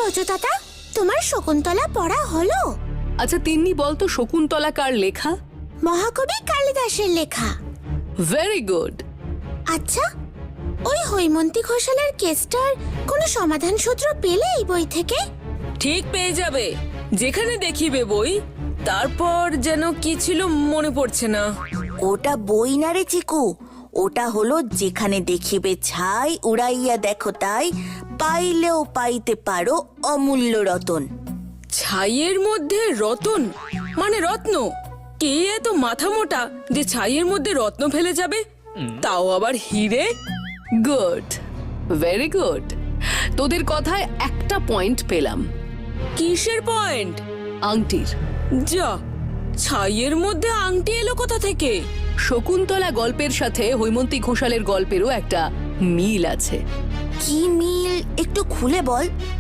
ব্রজদাদা, তোমার শকুন্তলা পড়া হলো? আচ্ছা তিন্নি বলতো শকুন্তলা কার লেখা? মহাকবি কালিদাসের লেখা। Very good. আচ্ছা, ওই হৈমন্তী ঘোষালের কেসটার কোনো সমাধান সূত্র পেলে এই বই থেকে? ঠিক পেয়ে যাবে, যেখানে দেখিবে বই। তারপর যেন কি ছিল মনে পড়ছে না। ওটা বই না রে চিকু, ওটা হলো যেখানে দেখিবে ছাই উড়াইয়া দেখো তাই, পাইলেও পাইতে পারো অমূল্য রতন। ছাইয়ের মধ্যে রতন মানে রত্ন? কে এত মাথা মোটা যে ছাইয়ের মধ্যে রত্ন ফেলে যাবে, তাও আবার হিরে? Good, very good. তোদের কথায় একটা পয়েন্ট পেলাম। কিসের পয়েন্ট? আংটির। যা, ছাইয়ের মধ্যে আংটি এলো কোথা থেকে? শকুন্তলা গল্পের সাথে হৈমন্তী ঘোষালের গল্পেরও একটা মিল আছে। কি মিল একটু খুলে বল।